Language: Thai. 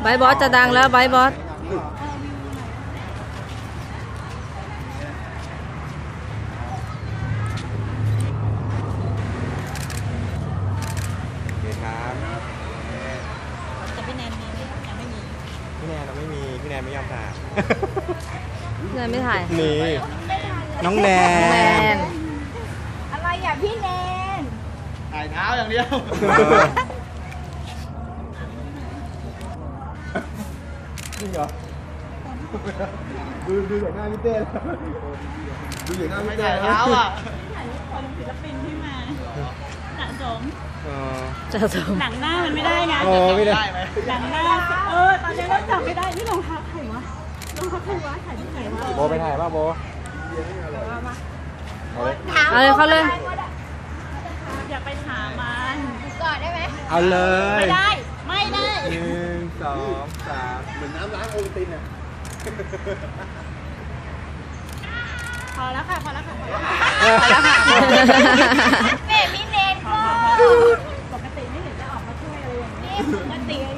ไบค์บอสจะดังแล้วไบค์บอสแต่พี่แนนมียังไม่มีพี่แนนเราไม่มีพี่แนนไม่ยอมถ่ายพี่แนนไม่ถ่ายนี่น้องแนนอะไรอ่ะพี่แนนถ่ายเท้าอย่างเดียวจริงเหรอดูอย่างหน้าพี่เต้ดูอย่างหน้าพี่เต้เท้าอ่ะคนศิลปินที่มาสะสมหนังหน้ามันไม่ได้นะไม่ได้หนังหน้าตอนนี้เราจับไม่ได้นี่รองเท้าใครวะรองเท้าใครวะถ่ายที่ไหนวะโบไปถ่ายป่ะโบเอาเลยเขาเลยอยากไปถามมันก่อนได้ไหมเอาเลยไม่ได้ 1 2 3เหมือนน้ำล้างโอวัลตินอ่ะพอแล้วค่ะแม่มีเนนก็ปกติไม่เห็นจะออกมาช่วยเลยอย่างนี้ปกติ